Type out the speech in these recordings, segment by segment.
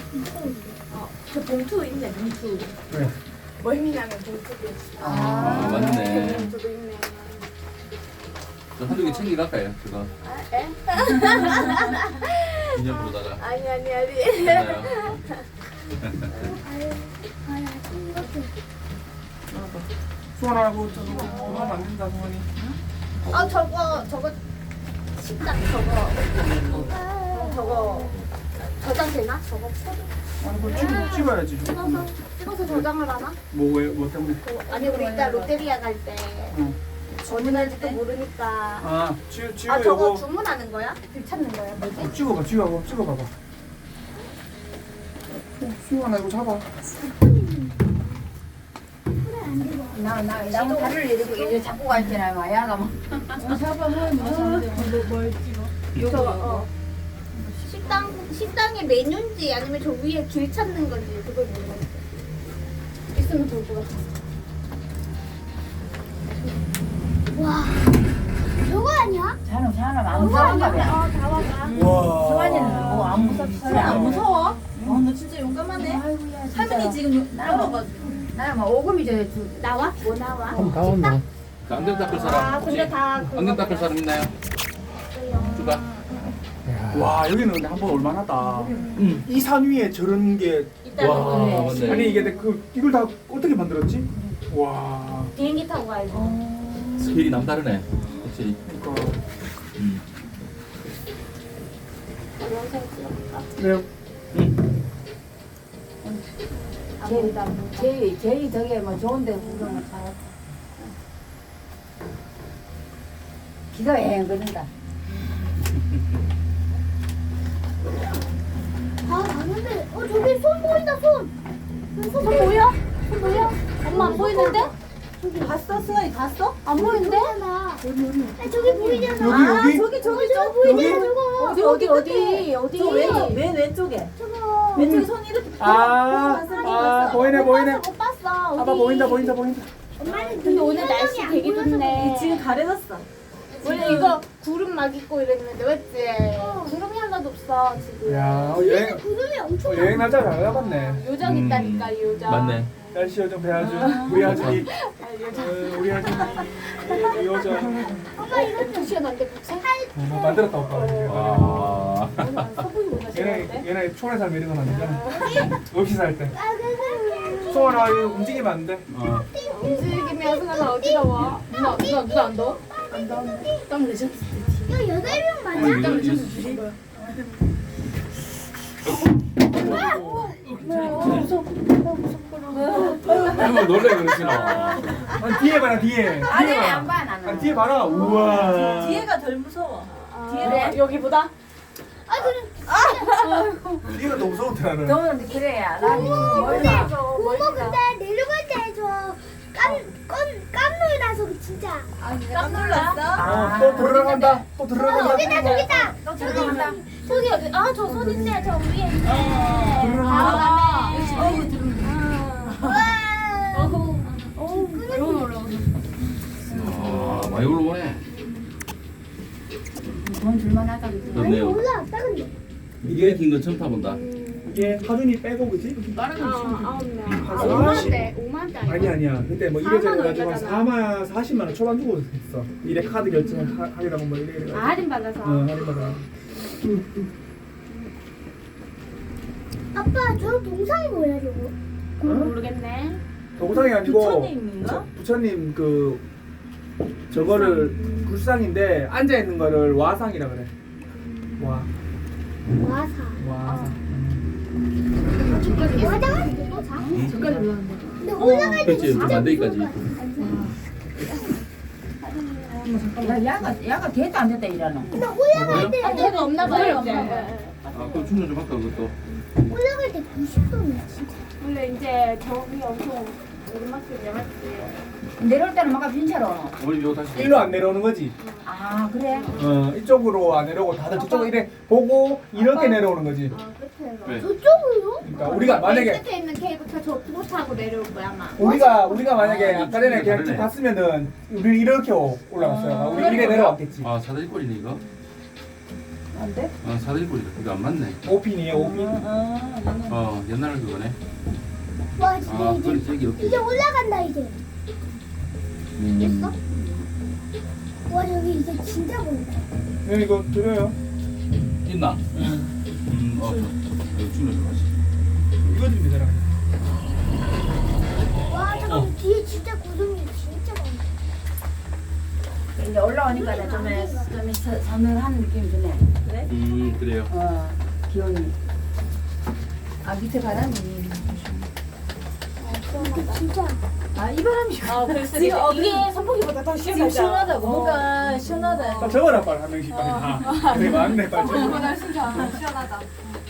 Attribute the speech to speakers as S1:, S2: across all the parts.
S1: 저 봉투 있네, 봉투.
S2: 그래.
S1: 멀미나면 봉투도 있어.
S3: 아, 맞네.
S1: 봉투도 있네.
S3: 저 한두 개 챙겨갈까요? 그거
S1: 아, 에?
S3: 기념으로다가.
S1: 아니.
S3: 괜찮아요.
S2: 수원하고 저거 하면 안 된다, 수원이.
S1: 저거 식당 저거 저장 되나? 저거 포도
S2: 아니, 그거 찍어야지.
S1: 찍어서 저장을 하나?
S2: 뭐 때문에?
S1: 아니 우리 이따 롯데리아 갈 때
S2: 응.
S1: 어디 날지도 모르니까.
S2: 아, 찍어
S1: 아 저거
S2: 요거.
S1: 주문하는 거야? 글 찾는 거야? 뭐지?
S2: 찍어봐봐. 수원아, 이거 잡아.
S4: 나 다리를 이렇게 잡고 갈잖아, 마야가 막.
S1: 저거 식당의 메뉴인지 아니면 저 위에 길 찾는 건지 그걸 모르겠어. 있으면 좋을 것 같아. 와, 저거 아니야?
S4: 사람 안 무서운가 봐.
S1: 다 와봐.
S2: 와.
S4: 수환이는 뭐 안 무섭지? 안 무서워?
S5: 너 진짜 용감하네.
S4: 아이고야,
S5: 할머니 지금 떨어가지고.
S4: 나는 막 오금이 저
S1: 나와? 뭐 나와?
S2: 한번 다 왔나?
S3: 그 안경 닦을 사람 혹시?
S1: 근데 다 그거
S3: 안경 닦을 사람 있나요? 주가.
S2: 와, 여기는 근데 한번 올만하다.
S3: 응.
S2: 이 산 위에 저런 게.
S1: 있다는
S3: 와,
S1: 거네.
S3: 맞네.
S2: 아니, 이게 이걸 다 어떻게 만들었지? 와.
S1: 비행기 타고 가야지.
S3: 스케일이 남다르네. 확실히.
S2: 그러니까.
S3: 음.
S1: 영상 찍어볼까?
S2: 네.
S3: 응.
S4: 제일 저게 뭐 좋은데 구경을 잘. 기가 애 걸린다.
S1: 아, 봤는데, 저기 손 보인다, 손! 손 보여? 손 보여? 엄마 안 보이는데?
S5: 봤어? 승환이 봤어?
S1: 안 보이는데? 저기 보이잖아.
S2: 여기.
S1: 저거 보이잖아, 저거. 어디?
S5: 저 맨 왼쪽에.
S1: 저거.
S5: 왼쪽에 손 이렇게.
S2: 보이네.
S1: 못 봤어.
S2: 아빠 보인다.
S1: 엄마는 근데 오늘 날씨 되게 좋네.
S5: 지금 가려졌어.
S1: 원래 이거 구름 막 있고 이랬는데, 맞지? 구름이 하나도 없어, 지금.
S2: 야,
S1: 구름이 엄청
S2: 여행 날짜 잘 잡았네.
S1: 요정 있다니까, 요정.
S3: 맞네.
S2: 날씨 요정 배아주. 우리 아준이. 우리 아준이 요정.
S1: 엄마 이거 2시간 안 돼, 부채?
S2: 만들었다, 오빠.
S3: 와.
S1: 서분이구나,
S2: 얘네 촌에 살면 이런 건 안 되잖아. 없이 살 때. 소원아, 이거 움직이면 안 돼.
S3: 어.
S1: 움직이면 승아가 어디가 와? 누나 안 더워? 안 더운데? 땀 내셨을 때. 야, 8명 맞아?
S3: 할머니 놀래 그러시나?
S2: 아니, 뒤에 봐라, 뒤에.
S4: 아니 안 봐, 나는.
S2: 아니, 뒤에 봐라. 우와.
S5: 뒤에가 덜 무서워.
S1: 뒤에 여기보다?
S2: 뒤가 너무 무서운데, 나는.
S4: 너는 그래야. 나는 몰라.
S1: 고모 근데
S6: 내려갈 때 저 깜놀 나서 진짜
S5: 깜놀 났어?
S2: 또 들어간다. 또 들어간다.
S6: 저기다
S1: 저기 어디? 아, 저 손 있네. 저 위에 있네.
S2: 아.
S3: 많이 올라오네.
S4: 돈 줄만하다 그지?
S3: 좋네요.
S6: 올라왔다 근데
S3: 이게 긴 건 처음 타본다.
S2: 이게 하준이 빼고, 그지?
S1: 다른 거 9명.
S2: 한
S1: 5만대.
S2: 아니야. 그때 뭐 이래저래
S1: 4만
S2: 가지고 한 40만 원 초반 주고 있어. 이래 카드 결제하려고 뭐 이래.
S1: 아, 할인 받아서.
S2: 할인 받아.
S6: 아빠 저 동상이 뭐야 저거
S1: 모르겠네.
S2: 동상이 아니고
S5: 부처님인가?
S2: 부처님 저거를 불상인데 앉아 있는 거를 와상이라 그래.
S6: 와사
S2: 와상.
S6: 올라가는데 또 자?
S1: 저까지 올라왔는데.
S6: 근데 올라갈 때
S3: 그렇지. 만들기까지.
S4: 야가 걔도 안 됐다 이러노.
S6: 근데 올라갈 때
S1: 걔가 없나 봐요, 이제.
S3: 아, 그럼 충전 좀 할까 그것도.
S6: 올라갈 때 90도네 진짜
S1: 원래 이제 저기 엄청 오르막길이야, 맞지?
S4: 내려올 때는 막 빈차로 오노.
S3: 우리 이거 다시.
S2: 일로 안 내려오는 거지.
S4: 아 그래?
S2: 이쪽으로 안 내려오고 다들 저쪽으로 이래 보고 이렇게 내려오는 거지.
S1: 아, 끝에서.
S3: 네.
S6: 저쪽으로?
S2: 그러니까 우리가 만약에
S1: 끝에 있는 케이블카 저쪽으로 타고 내려올 거야, 아마.
S2: 우리가 만약에
S3: 아,
S2: 아까 전에 그냥 쭉
S3: 다르네.
S2: 갔으면은 우리 이렇게 올라갔어요. 우리 이래 내려왔겠지.
S3: 아, 사다리 꼴이네 이거.
S4: 안 돼?
S3: 사다리꼴이다. 그거 안 맞네.
S2: 오핀이에요, 오핀.
S3: 옛날 그거네.
S6: 와 진짜
S3: 그건 저기
S6: 이제
S3: 이렇게.
S6: 올라간다 이제.
S3: 음.
S6: 와 여기 이제 진짜 보인다.
S2: 네, 이거 드려요.
S3: 있나? 여기 주면 좋아하지.
S2: 이거 드리면 되잖아.
S6: 와 잠깐 뒤에 진짜 구름이 진짜 많다.
S4: 이제 올라오니까 좀 서늘한 느낌이 드네.
S5: 그래?
S3: 그래요.
S4: 기온이. 아 밑에 바람이.
S6: 근데 진짜
S4: 아 이 바람이.
S1: 아 그래서
S5: 지금
S1: 이게 선풍기보다 더
S5: 지금
S1: 시원하죠.
S5: 시원하다고. 뭔가 시원하다.
S2: 아, 적어라 빨리 한 명씩 빨리 다. 되게 많네 빨리 적어.
S1: 선풍기보다 시원하다.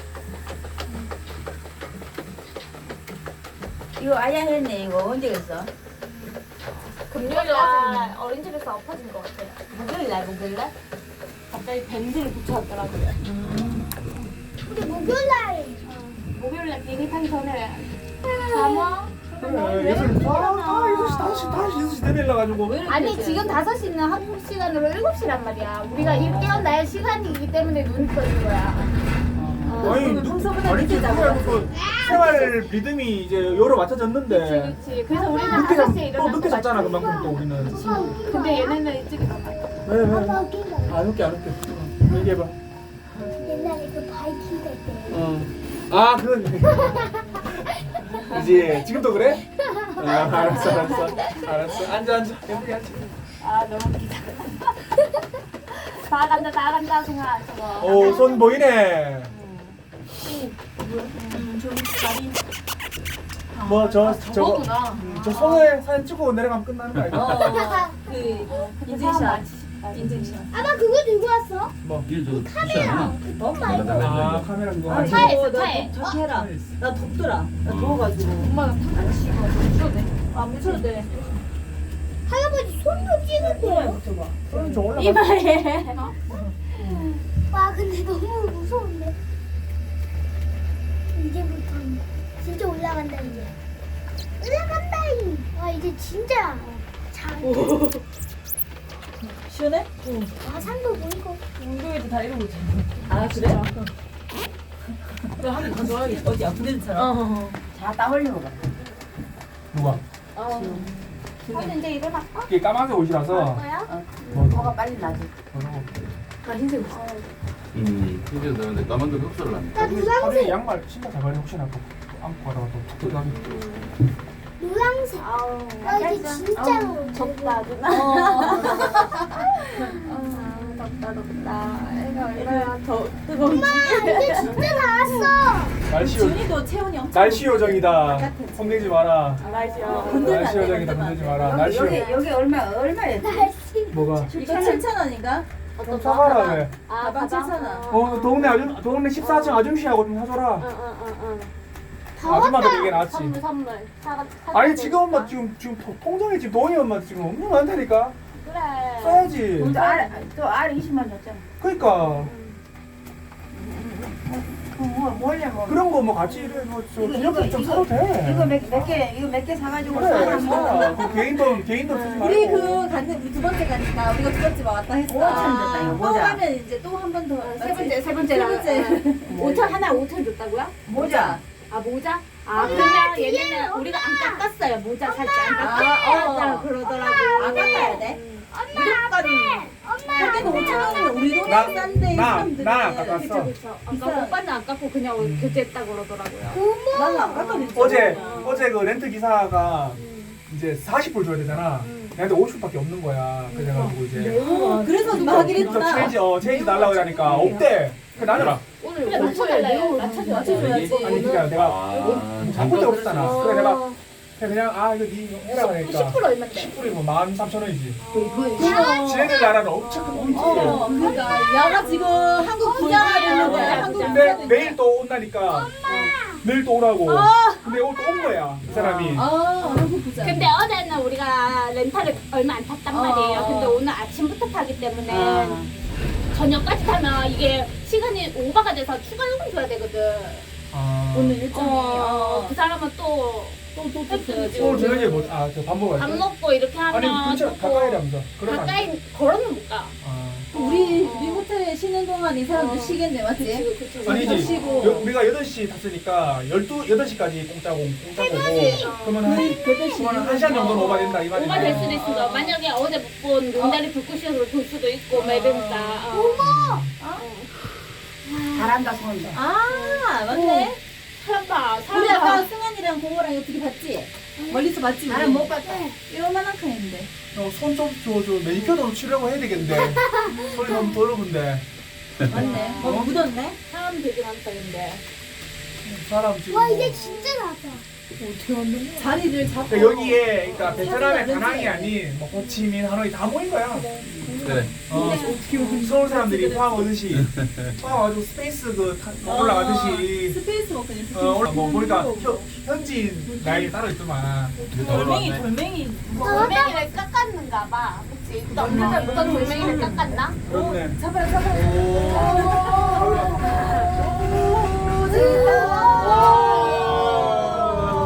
S4: 이거 아야 했네. 이거 언제 했어?
S1: 금요일날 어린이집에서 엎어진 것 같아요. 목요일날 갑자기 밴드를 붙여왔더라고요.
S6: 우리 목요일날
S1: 목요일날 비행기 타기 전에 잠어.
S2: 그래, 6시, 6시 되밀려가지고.
S1: 아니 지금 5시는 한국 시간으로 7시란 말이야. 우리가 일 깨어날 시간이기 때문에 눈이 떠진 거야.
S2: 아니,
S5: 평소보다
S2: 아니,
S5: 늦게 자고
S2: 그 생활 리듬이 이제 요로 맞춰졌는데.
S1: 그렇지. 그래서 우리는
S2: 늦게
S1: 5시에
S2: 또
S1: 일어날
S2: 늦게
S1: 것
S2: 잤잖아,
S1: 같아.
S2: 그만큼 또 우리는.
S1: 근데 얘네는 일찍 일어나.
S2: 왜?
S6: 아빠 웃긴다.
S2: 안 웃게, 안 웃게. 얘기해봐.
S6: 옛날에 그 바이킹 갈 때.
S2: 아, 그건. 이제 지금도 그래? 알았어. 앉아. 예쁘게 앉아.
S1: 아 너무 웃기다. 다 간다 생각 저거.
S2: 오, 손 보이네.
S5: 좀 다리.
S2: 뭐, 저거.
S1: 저거구나.
S2: 저 손에 사진 찍고 내려가면 끝나는 거 아니야?
S5: 그 인증샷. 인증샷.
S6: 아빠 그거 들고 왔어?
S2: 뭐.
S3: 이거 저 카메라.
S2: 아, 카메라 그거.
S5: 아,
S1: 차에
S5: 이거
S1: 있어, 차에.
S5: 나 저렇게 해라. 나 덥더라. 나 더워가지고.
S1: 엄마가 안 씹어. 묻혀도 돼.
S5: 아, 묻혀도 돼.
S6: 할아버지 손도 찍은데요?
S5: 묻혀봐.
S2: 그럼 저 올라가.
S1: 이마에.
S6: 와 근데 너무 무서운데. 이제부터 진짜 올라간다 이제. 올라간다잉. 와 이제 진짜 잘.
S5: 시원해?
S6: 와 산도 보이고.
S5: 운동에도 다 이러고 있잖아. 아, 그래? 너 한번 더 좋아하겠다. 어디 아픈 데처럼?
S4: 자, 딱 올리고 가.
S2: 누가?
S1: 근데 이제 일어나.
S2: 이게 까만색 옷이라서.
S1: 뭐야?
S4: 뭐가 빨리 나지.
S1: 나 흰색 옷.
S3: 이제 너네 까만도 흡수를 하네.
S6: 나
S2: 하루에
S6: 노란색.
S2: 양말 신발 잘 버려 혹시나 또 안고 가다가 또 뜯어가면.
S6: 노란색.
S1: 아우.
S6: 와 이제 진짜로.
S1: 덥다 누나. 덥다. 애가 더 뜨거운.
S6: 엄마 이제 진짜 다 왔어.
S2: 날씨
S5: 준이도 체온이 엄청.
S2: 날씨 요정이다. 혼내지 마라.
S1: 날씨야.
S2: 날씨 요정이다. 혼내지 마라. 날씨
S4: 여기 얼마야?
S6: 날씨.
S2: 뭐가?
S5: 이거 7,000원인가?
S2: 좀 사가라 왜?
S1: 아
S5: 가방
S1: 가방.
S5: 7,000원.
S2: 동네 14층 아줌씨하고 좀 사줘라.
S1: 응.
S2: 아줌마들 이게 낫지.
S1: 선물.
S2: 아니 지금 엄마 지금 통장에 지금 돈이 엄마 지금 엄청 많다니까.
S1: 그래.
S2: 써야지.
S4: 또 R 20만 줬잖아.
S2: 그러니까
S4: 뭐 하려고?
S2: 그런 거 뭐 같이 이래 뭐저
S4: 이거,
S2: 기념품 좀
S4: 이거,
S2: 사도 돼.
S4: 이거 몇 개 사가지고
S2: 그래
S4: 사람
S2: 사. 그 개인돈 쓰지 말고.
S5: 우리 우리 두 번째 가니까 우리가 두 번째 왔다 했어.
S4: 5천 줬다, 이거
S5: 또
S4: 모자.
S5: 하면 이제 또 한 번 더.
S1: 세 번째.
S5: 세 번째.
S1: 5천 하나 5천 줬다고요?
S4: 모자.
S1: 아 모자? 아 그러면 얘네는 우리가 안 깎았어요. 모자 살 때 안 깎았다 그러더라고.
S5: 아, 깎아야 돼?
S6: 엄마.
S5: 그때도 5,000원이면 우리 돈은 싼데 이 사람들은.
S2: 나 깎았어.
S1: 아까 오빠는 안 깎고 그냥 교체했다 그러더라고요.
S5: 나는 안 깎았는데.
S2: 어제 그 렌트 기사가 이제 40불 줘야 되잖아. 내한테 50불밖에 없는 거야. 그래가지고 이제
S5: 그래서 누가 하기로 했구나.
S2: 체인지 달라고 그러니까 없대. 그 나는
S1: 오늘 맞춰달래요.
S5: 맞춰줘야지.
S2: 아니 그니까 내가
S3: 아,
S2: 바꿀 데가 없잖아. 그래 내가 그냥 이거 니 해라 그러니까
S1: 10% 얼마인데?
S2: 10불이면 13,000원이지.
S1: 그거
S2: 지네들 나라는 엄청 큰 돈이지.
S5: 그러니까 야가 지금 한국 부자가 되는 거야. 한국 부자가
S2: 근데
S5: 되는
S2: 내일 또 온다니까. 내일 또 오라고. 근데 오늘 또 온 거야. 그 사람이.
S5: 한국 부자.
S1: 근데 어제는 우리가 렌탈을 얼마 안 탔단 말이에요. 근데 오늘 아침부터 타기 때문에 저녁까지 타면 이게 시간이 오버가 돼서 추가 요금 줘야 되거든.
S5: 오늘 일정이.
S1: 그 사람은 또
S5: 줘야지.
S2: 오늘 저녁에 뭐, 저 밥 먹어야
S1: 밥
S2: 돼.
S1: 먹고 이렇게 하면
S2: 아니 근처
S1: 또
S2: 가까이라면서. 그러면 안 돼.
S1: 가까이 걸어는 못 가.
S5: 우리 호텔에 쉬는 동안 이 사람도 쉬겠네, 맞지?
S2: 아니지.
S5: 쉬고.
S2: 우리가 8시 탔으니까 8시까지 공짜고 그러면 한 시간 정도는 오바된다 이 말이네.
S1: 오버될 수도 있어. 만약에 어제 못 본 용다리 불꽃시장으로 볼 수도 있고 막 이러니까.
S4: 잘한다 손.
S5: 아, 맞네.
S1: 사람 봐.
S5: 우리
S1: 사람
S5: 아까
S1: 봐.
S5: 승현이랑 고모랑 어떻게 봤지? 멀리서 봤지?
S4: 나는 못 봤다.
S5: 이만한 칸인데.
S2: 손좀 저 매니큐어도 치려고 해야 되겠는데 손이 너무 더러운데
S5: 맞네. 묻었네?
S1: 사람 되게 많다 근데.
S2: 사람 지금
S6: 와
S2: 뭐.
S6: 이제 진짜 나왔다.
S5: 자리를 잡고.
S2: 그러니까 여기에 그러니까 베트남의 다낭이 아닌 뭐 호치민, 하노이 다 모인 거야.
S3: 그래.
S2: 서울 사람들이 포항 와가지고 스페이스 올라가듯이
S5: 스페이스 워크니.
S2: 뭐 보니까 현지인 라인이 따로 있더만.
S5: 돌멩이.
S1: 돌멩이를 깎았는가 봐. 그치? 어떤 돌멩이를 깎았나?
S2: 그렇네.
S5: 잡아라.
S2: 오.